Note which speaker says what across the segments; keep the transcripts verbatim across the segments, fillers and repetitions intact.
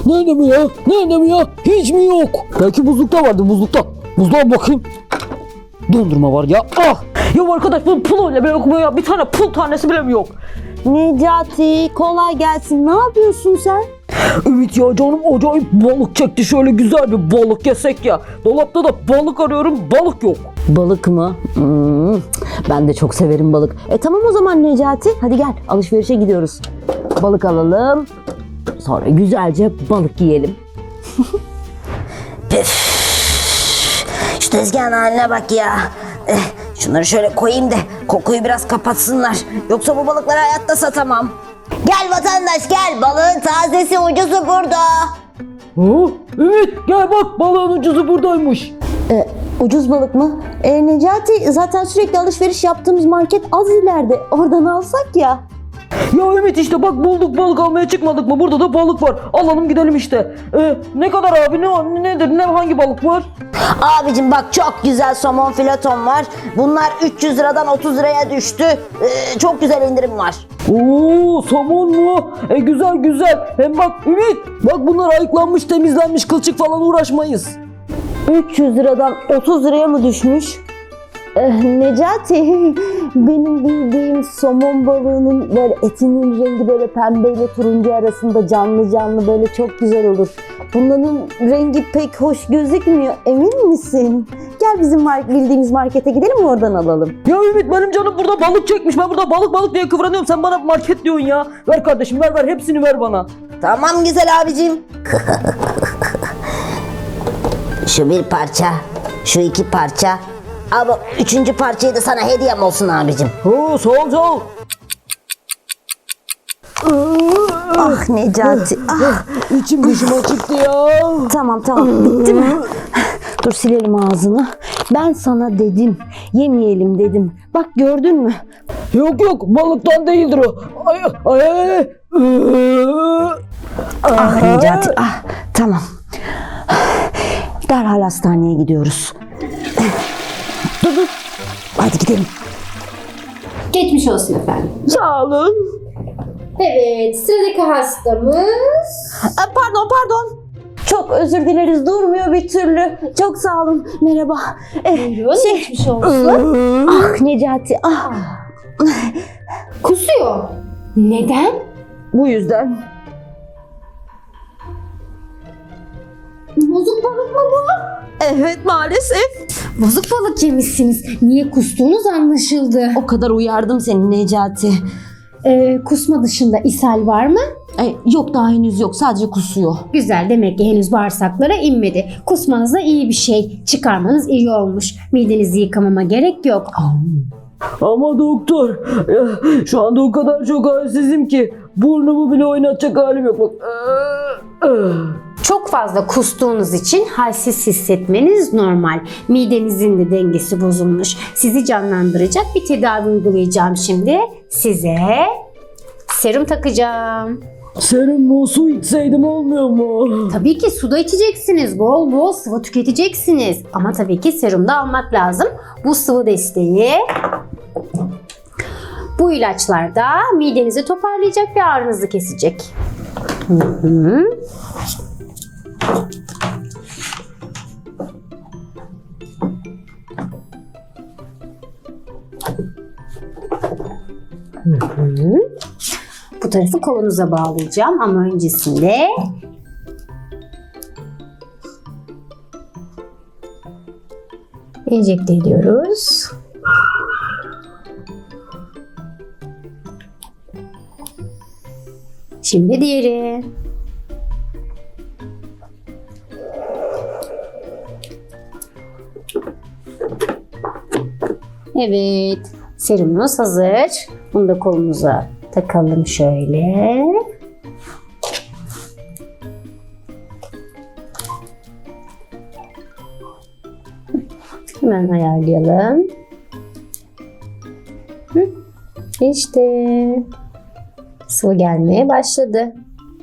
Speaker 1: Nerede mi ya? Nerede mi ya? Hiç mi yok? Belki buzlukta vardı, buzlukta. Buzluğa bakayım. Dondurma var ya. Ah! Ya arkadaş bunun puluyla bile yok mu ya? Bir tane pul tanesi bile mi yok?
Speaker 2: Necati kolay gelsin. Ne yapıyorsun sen?
Speaker 1: Ümit ya canım acayip balık çekti. Şöyle güzel bir balık yesek ya. Dolapta da balık arıyorum, balık yok.
Speaker 2: Balık mı? Hmm, ben de çok severim balık. E tamam o zaman Necati. Hadi gel alışverişe gidiyoruz. Balık alalım. Sonra güzelce balık yiyelim.
Speaker 3: Şu tezgahın haline bak ya. Eh, şunları şöyle koyayım da kokuyu biraz kapatsınlar. Yoksa bu balıkları hayatta satamam. Gel vatandaş gel, balığın tazesi ucuzu burada.
Speaker 1: Ha? Ümit gel bak, balığın ucuzu buradaymış.
Speaker 2: E, ucuz balık mı? E, Necati zaten sürekli alışveriş yaptığımız market az ileride. Oradan alsak ya.
Speaker 1: Ya Ümit işte bak bulduk, balık almaya çıkmadık mı? Burada da balık var. Alalım gidelim işte. Ee, ne kadar abi, ne nedir, ne hangi balık var?
Speaker 3: Abicim bak çok güzel somon fileton var. Bunlar üç yüz liradan otuz liraya düştü. Ee, çok güzel indirim var.
Speaker 1: Oo, somon mu? E güzel güzel. Hem bak Ümit, bak bunlar ayıklanmış, temizlenmiş, kılçık falan uğraşmayız.
Speaker 2: üç yüz liradan otuz liraya mı düşmüş? Eh, Necati, benim bildiğim somon balığının böyle etinin rengi böyle pembeyle turuncu arasında canlı canlı böyle çok güzel olur. Bunların rengi pek hoş gözükmüyor, emin misin? Gel bizim mar- bildiğimiz markete gidelim mi, oradan alalım.
Speaker 1: Ya Ümit benim canım burada balık çekmiş. Ben burada balık balık diye kıvranıyorum. Sen bana market diyorsun ya. Ver kardeşim, ver ver, hepsini ver bana.
Speaker 3: Tamam güzel abicim. Şu bir parça, şu iki parça. Ama üçüncü parçayı da sana hediyem olsun abicim.
Speaker 1: Oo, sağ ol sağ ol.
Speaker 2: Ah Necati, ah.
Speaker 1: İçim dışıma çıktı ya.
Speaker 2: Tamam tamam, bitti mi? Dur silelim ağzını. Ben sana dedim, yemeyelim dedim. Bak gördün mü?
Speaker 1: Yok yok, balıktan değildir o. Ay ay ay.
Speaker 2: Ah Necati, ah tamam. Derhal hastaneye gidiyoruz. Dur dur. Hadi gidelim.
Speaker 4: Geçmiş olsun efendim.
Speaker 1: Sağ olun.
Speaker 4: Evet, sıradaki hastamız...
Speaker 2: Pardon pardon. Çok özür dileriz, durmuyor bir türlü. Çok sağ olun. Merhaba. Eh,
Speaker 4: Buyurun,
Speaker 2: şey,
Speaker 4: geçmiş olsun.
Speaker 2: ah Necati, ah.
Speaker 4: Kusuyor. Neden?
Speaker 2: Bu yüzden.
Speaker 4: Bozuk balık mı bu?
Speaker 2: Evet maalesef.
Speaker 4: Bozuk balık yemişsiniz. Niye kustuğunuz anlaşıldı.
Speaker 2: O kadar uyardım seni Necati.
Speaker 4: Ee, kusma dışında ishal var mı?
Speaker 2: Ay, yok daha henüz yok, sadece kusuyor.
Speaker 4: Güzel, demek ki henüz bağırsaklara inmedi. Kusmanız da iyi bir şey. Çıkarmanız iyi olmuş. Midenizi yıkamama gerek yok.
Speaker 1: Ama doktor, ya, şu anda o kadar çok halsizim ki burnumu bile oynatacak halim yok. Bak.
Speaker 4: Çok fazla kustuğunuz için halsiz hissetmeniz normal. Midenizin de dengesi bozulmuş. Sizi canlandıracak bir tedavi uygulayacağım şimdi. Size serum takacağım.
Speaker 1: Serum mu, su içseydim olmuyor mu?
Speaker 4: Tabii ki suda içeceksiniz. Bol bol sıvı tüketeceksiniz. Ama tabii ki serum da almak lazım. Bu sıvı desteği, bu ilaçlar da midenizi toparlayacak ve ağrınızı kesecek. Hı hı. Hı hı. Bu tarafı kolunuza bağlayacağım ama öncesinde enjekte ediyoruz. Şimdi diğeri. Evet, serumunuz hazır. Bunu da kolunuza takalım şöyle. Hemen ayarlayalım. Hı, İşte sıvı gelmeye başladı.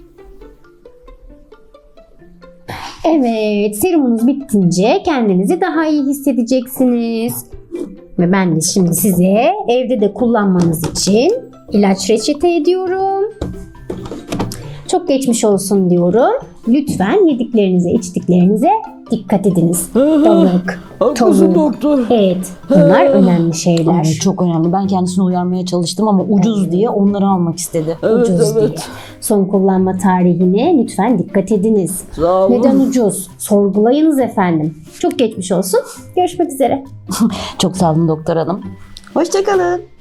Speaker 4: Evet, serumunuz bitince kendinizi daha iyi hissedeceksiniz. Ve ben de şimdi size evde de kullanmanız için ilaç reçete ediyorum. Çok geçmiş olsun diyorum lütfen yediklerinize, içtiklerinize dikkat ediniz.
Speaker 1: Hı hı.
Speaker 4: Balık,
Speaker 1: Haklısın
Speaker 4: tavuk.
Speaker 1: doktor.
Speaker 4: Evet, bunlar önemli şeyler.
Speaker 2: Ay, çok önemli. Ben kendisini uyarmaya çalıştım ama ucuz diye onları almak istedi.
Speaker 1: Evet
Speaker 4: Ucuz
Speaker 1: evet.
Speaker 4: diye. Son kullanma tarihine lütfen dikkat ediniz.
Speaker 1: Sağ olun.
Speaker 4: Neden ucuz? Sorgulayınız efendim. Çok geçmiş olsun. Görüşmek üzere.
Speaker 2: Çok sağ olun doktor hanım. Hoşçakalın.